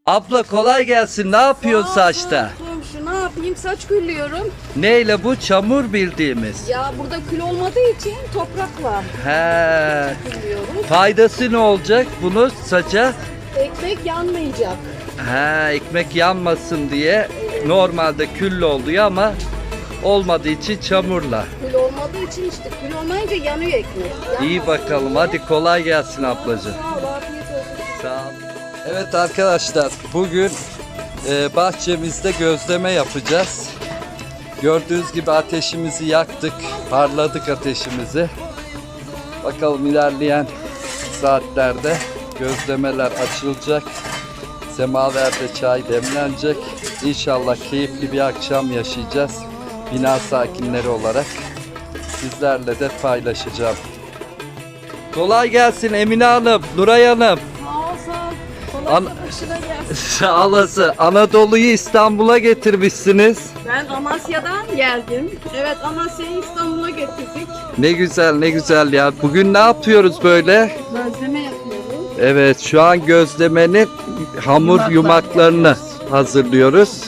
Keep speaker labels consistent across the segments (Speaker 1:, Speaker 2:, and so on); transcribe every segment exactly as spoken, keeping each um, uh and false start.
Speaker 1: Abla kolay gelsin. Ne yapıyorsun saçta?
Speaker 2: Komşu ne yapayım, saç küllüyorum.
Speaker 1: Neyle bu? Çamur bildiğimiz.
Speaker 2: Ya burada kül olmadığı için toprakla
Speaker 1: He.
Speaker 2: küllüyoruz.
Speaker 1: Faydası ne olacak bunu saça?
Speaker 2: Ekmek yanmayacak.
Speaker 1: He, ekmek yanmasın diye normalde külle oluyor ama olmadığı için çamurla.
Speaker 2: Kül olmadığı için işte kül olmayınca yanıyor ekmek.
Speaker 1: İyi
Speaker 2: Yanmasın
Speaker 1: bakalım.
Speaker 2: diye.
Speaker 1: Hadi kolay gelsin ablacığım.
Speaker 2: Sağ ol, afiyet olsun.
Speaker 1: Sağ ol. Evet arkadaşlar, bugün e, bahçemizde gözleme yapacağız. Gördüğünüz gibi ateşimizi yaktık, parladık ateşimizi. Bakalım ilerleyen saatlerde gözlemeler açılacak. Semaverde çay demlenecek. İnşallah keyifli bir akşam yaşayacağız. Bina sakinleri olarak sizlerle de paylaşacağım. Kolay gelsin Emine Hanım, Nuray Hanım.
Speaker 2: Sağ ol, sağ ol. Kolay
Speaker 1: An-
Speaker 2: başına gelsin.
Speaker 1: Sağ olasın. Anadolu'yu İstanbul'a getirmişsiniz.
Speaker 2: Ben Amasya'dan geldim. Evet, Amasya'yı İstanbul'a getirdik.
Speaker 1: Ne güzel ne güzel ya. Bugün ne yapıyoruz böyle?
Speaker 2: Gözleme yapıyoruz.
Speaker 1: Evet, şu an gözlemenin hamur yumaklarını hazırlıyoruz.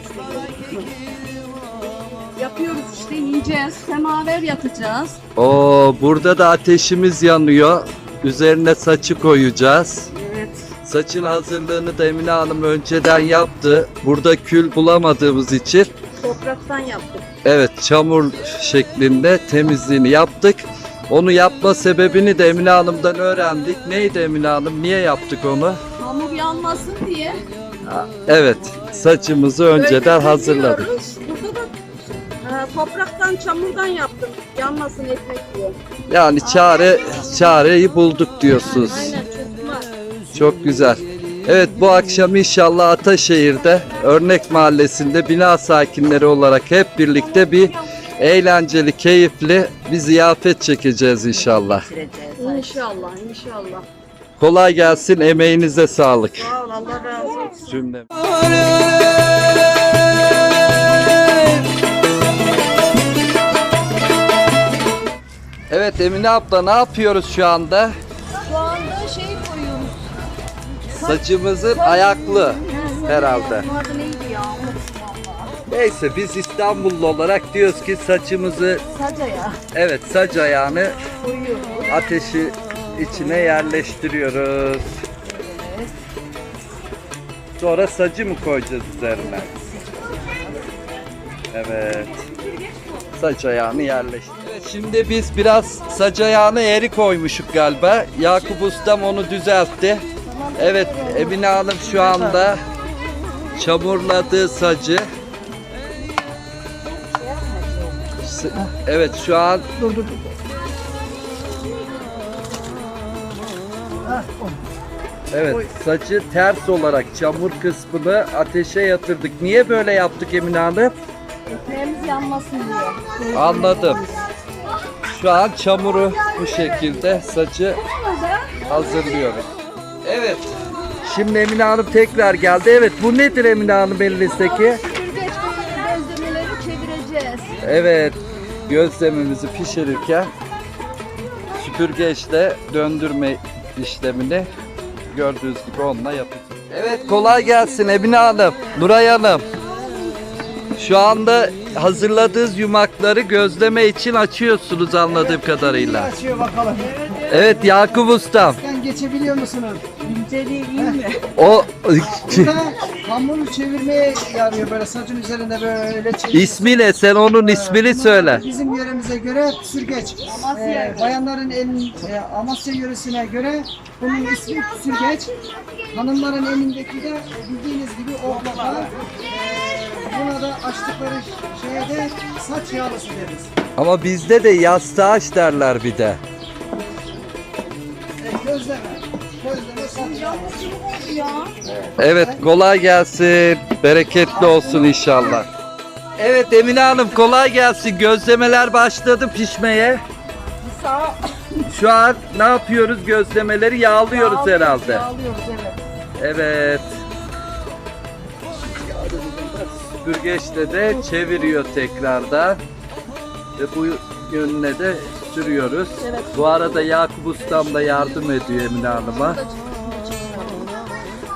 Speaker 2: Yapıyoruz işte, yiyeceğiz. Semaver yapacağız.
Speaker 1: Oo, burada da ateşimiz yanıyor. Üzerine saçı koyacağız.
Speaker 2: Evet.
Speaker 1: Saçın hazırlığını da Emine Hanım önceden yaptı. Burada kül bulamadığımız için
Speaker 2: Topraktan yaptık.
Speaker 1: evet çamur şeklinde temizliğini yaptık. Onu yapma sebebini de Emine Hanım'dan öğrendik. Neydi Emine Hanım? Niye yaptık onu?
Speaker 2: Hamur yanmasın diye.
Speaker 1: Evet, saçımızı önceden
Speaker 2: Öyle
Speaker 1: hazırladık.
Speaker 2: kesiyoruz. Burada da e, topraktan, çamurdan yaptım. Yanmasın ekmek diye.
Speaker 1: Yani çare çareyi bulduk diyorsunuz.
Speaker 2: Aynen, çocuklar.
Speaker 1: Çok güzel. Evet, bu akşam inşallah Ataşehir'de Örnek Mahallesi'nde bina sakinleri olarak hep birlikte bir eğlenceli, keyifli bir ziyafet çekeceğiz inşallah.
Speaker 2: İnşallah, inşallah.
Speaker 1: Kolay gelsin, emeğinize sağlık.
Speaker 2: Sağ ol, Allah razı olsun.
Speaker 1: Cümle. Evet Emine abla, ne yapıyoruz şu anda?
Speaker 2: Şu anda şey koyuyoruz.
Speaker 1: Saçımızın ayaklı herhalde.
Speaker 2: Bunun adı neydi ya? Unuttum valla.
Speaker 1: Neyse, biz İstanbullu olarak diyoruz ki saçımızı,
Speaker 2: Saca ya.
Speaker 1: evet saç ayağını
Speaker 2: Koyuyoruz.
Speaker 1: ateşi içine yerleştiriyoruz. Sonra sacı mı koyacağız üzerine? Evet. Saç ayağını yerleştir. Evet, şimdi biz biraz saç ayağını eğri koymuşuk galiba. Yakup Ustam onu düzeltti. Evet, Emine Hanım şu anda çamurladığı sacı. S- Evet, şu an evet, saçı ters olarak çamur kısmını ateşe yatırdık. Niye böyle yaptık Emine Hanım?
Speaker 2: Ekmeğimiz yanmasın diye.
Speaker 1: Anladım. Şu an çamuru bu şekilde saçı hazırlıyoruz. Evet. Şimdi Emine Hanım tekrar geldi. Evet, bu nedir Emine Hanım elinizdeki?
Speaker 2: Süpürgeç böyle gözlemeleri çevireceğiz.
Speaker 1: Evet, gözlemimizi pişirirken süpürgeçle döndürme işlemini gördüğünüz gibi onunla yapacağız. Evet, kolay gelsin Emine Hanım, Nuray Hanım. Şu anda hazırladığınız yumakları gözleme için açıyorsunuz anladığım kadarıyla.
Speaker 3: Açıyor bakalım.
Speaker 1: Evet Yakup Ustam.
Speaker 3: Sen geçebiliyor musunuz?
Speaker 2: İnceliği iyi mi?
Speaker 1: O
Speaker 3: Burada hamuru çevirmeye yarıyor, böyle saçın üzerinde böyle çevir.
Speaker 1: ismi ne? Sen onun ismini söyle.
Speaker 3: Bizim yöremize göre püsürgeç.
Speaker 2: Amasya.
Speaker 3: Ee, bayanların elin, e, Amasya yöresine göre bunun ismi püsürgeç. Hanımların elindeki de bildiğiniz gibi oklava. Ee, buna da açtıkları şeye de saç yağlısı deriz.
Speaker 1: Ama bizde de yastağaç derler bir de.
Speaker 3: Ee, gözleme. Gözleme saç yağlısı.
Speaker 2: Ya.
Speaker 1: Evet, kolay gelsin. Bereketli olsun inşallah. Evet Emine Hanım, kolay gelsin. Gözlemeler başladı pişmeye.
Speaker 2: Sağ
Speaker 1: Şu an ne yapıyoruz? Gözlemeleri yağlıyoruz herhalde.
Speaker 2: Yağlıyoruz, evet.
Speaker 1: Evet. Süpürgeçle de çeviriyor tekrardan. Ve bu yönüne de sürüyoruz.
Speaker 2: Evet.
Speaker 1: Bu arada Yakup Ustam da yardım ediyor Emine Hanım'a.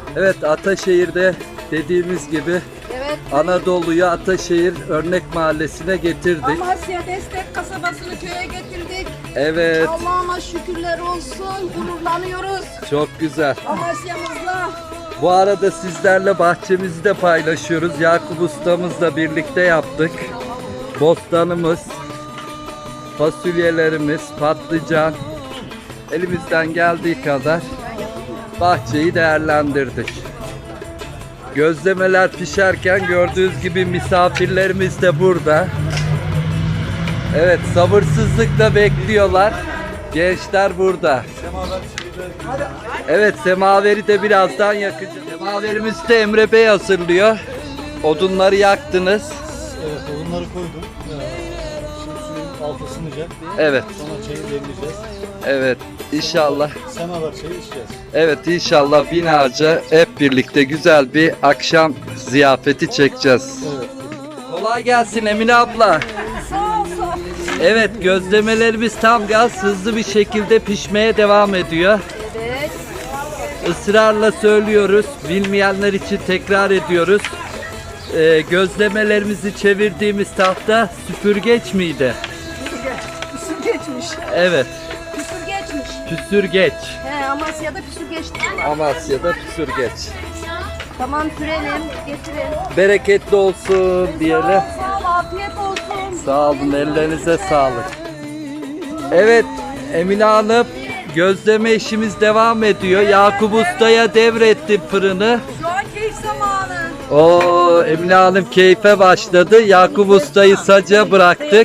Speaker 1: Evet, Ataşehir'de dediğimiz gibi
Speaker 2: Evet.
Speaker 1: Anadolu'yu Ataşehir Örnek Mahallesi'ne getirdik.
Speaker 2: Amasya Destek kasabasını köye getirdik.
Speaker 1: Evet,
Speaker 2: Allah'ıma şükürler olsun. Gururlanıyoruz
Speaker 1: çok güzel.
Speaker 2: Amasya'mızla.
Speaker 1: Bu arada sizlerle bahçemizi de paylaşıyoruz. Yakup ustamızla birlikte yaptık. Bostanımız, fasulyelerimiz, patlıcan, elimizden geldiği kadar bahçeyi değerlendirdik. Gözlemeler pişerken gördüğünüz gibi misafirlerimiz de burada. Evet, sabırsızlıkla bekliyorlar. Gençler burada. Evet, semaveri de birazdan yakacağız. Semaverimizi de Emre Bey hazırlıyor. Odunları yaktınız.
Speaker 4: Evet, odunları koydum. Ee, şimdi suyun altı ısınacak.
Speaker 1: Evet,
Speaker 4: Sonra çayı demleyeceğiz.
Speaker 1: evet. İnşallah.
Speaker 4: Semaver çayı içeceğiz.
Speaker 1: Evet, inşallah binaca hep birlikte güzel bir akşam ziyafeti çekeceğiz.
Speaker 4: Evet.
Speaker 1: Kolay gelsin Emine abla.
Speaker 2: Sağ ol sağ ol.
Speaker 1: Evet, gözlemelerimiz tam gaz hızlı bir şekilde pişmeye devam ediyor.
Speaker 2: Evet.
Speaker 1: Israrla söylüyoruz. Bilmeyenler için tekrar ediyoruz. Ee, gözlemelerimizi çevirdiğimiz tahta süpürgeç miydi?
Speaker 2: Püsür geçmiş.
Speaker 1: Evet,
Speaker 2: Püsür geçmiş.
Speaker 1: püsürgeç.
Speaker 2: He, Amasya'da püsür geçti diyorlar.
Speaker 1: Amasya'da püsürgeç.
Speaker 2: Tamam sürelim, getirin.
Speaker 1: Bereketli olsun diyelim.
Speaker 2: Sağ ol, sağ ol, afiyet olsun.
Speaker 1: Sağ olun, ellerinize sağlık. Evet, Emine Hanım, gözleme işimiz devam ediyor. Yakup Usta'ya devretti fırını.
Speaker 2: Şu an keyif zamanı.
Speaker 1: Oo, Emine Hanım keyfe başladı. Yakup Usta'yı saca bıraktık.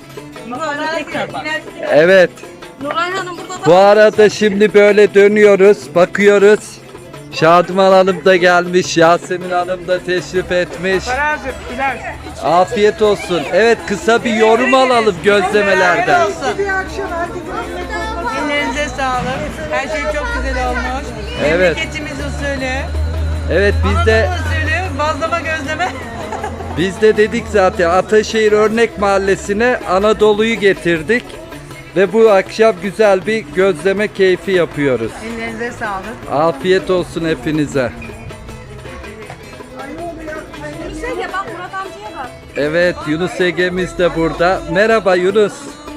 Speaker 1: Evet.
Speaker 2: Nuray Hanım burada da.
Speaker 1: Bu arada şimdi böyle dönüyoruz, bakıyoruz. Şadıman Hanım da gelmiş, Yasemin Hanım da teşrif etmiş. Afiyet olsun. Evet, kısa bir yorum alalım gözlemelerden.
Speaker 5: Ellerinize sağlık. Her şey çok güzel olmuş.
Speaker 1: Evet.
Speaker 5: Memleketimiz usulü.
Speaker 1: Evet, biz de
Speaker 5: Anadolu usulü bazlama gözleme.
Speaker 1: biz de dedik zaten Ataşehir Örnek Mahallesi'ne Anadolu'yu getirdik ve bu akşam güzel bir gözleme keyfi yapıyoruz.
Speaker 5: Ellerinize sağlık.
Speaker 1: Afiyet olsun hepinize.
Speaker 2: Yürüsene bak Murat amcaya bak.
Speaker 1: Evet, Yunus Ege'miz de burada. Merhaba Yunus.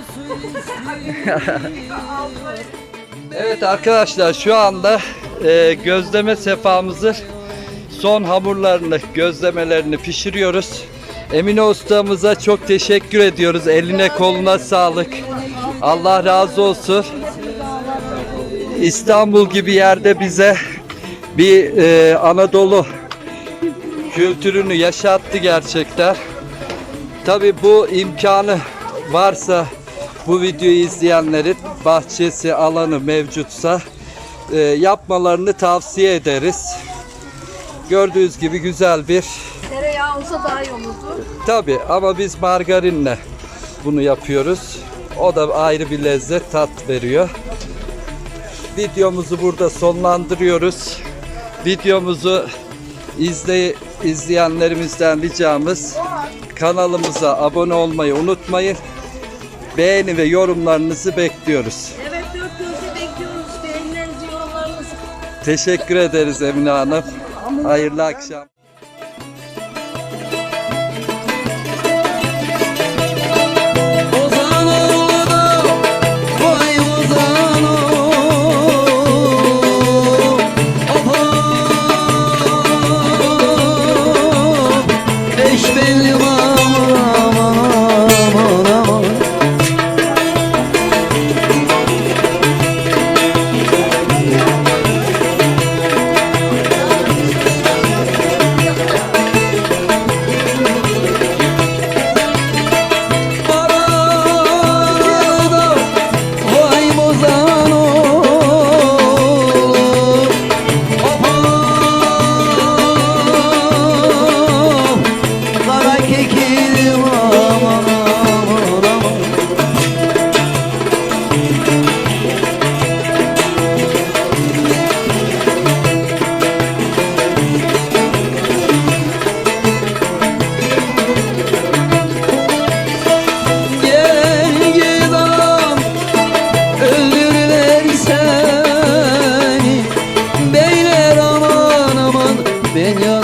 Speaker 1: Evet arkadaşlar, şu anda e, gözleme sefamızı son hamurlarını, gözlemelerini pişiriyoruz. Emine ustamıza çok teşekkür ediyoruz. Eline koluna sağlık. Allah razı olsun. İstanbul gibi yerde bize bir e, Anadolu kültürünü yaşattı gerçekten. Tabii bu imkanı varsa, bu videoyu izleyenlerin bahçesi, alanı mevcutsa e, yapmalarını tavsiye ederiz. Gördüğünüz gibi güzel bir,
Speaker 2: Tereyağı olsa daha iyi olurdu.
Speaker 1: tabii ama biz margarinle bunu yapıyoruz. O da ayrı bir lezzet, tat veriyor. Videomuzu burada sonlandırıyoruz. Videomuzu izley izleyenlerimizden ricamız, kanalımıza abone olmayı unutmayın. Beğeni ve yorumlarınızı bekliyoruz.
Speaker 2: Evet, dört gözle bekliyoruz. Beğenilerinizi, yorumlarınızı.
Speaker 1: Teşekkür ederiz Emine Hanım. Hayırlı akşam.
Speaker 6: Ozan oldu, vay Ozan beş belli aman aman aman. Ben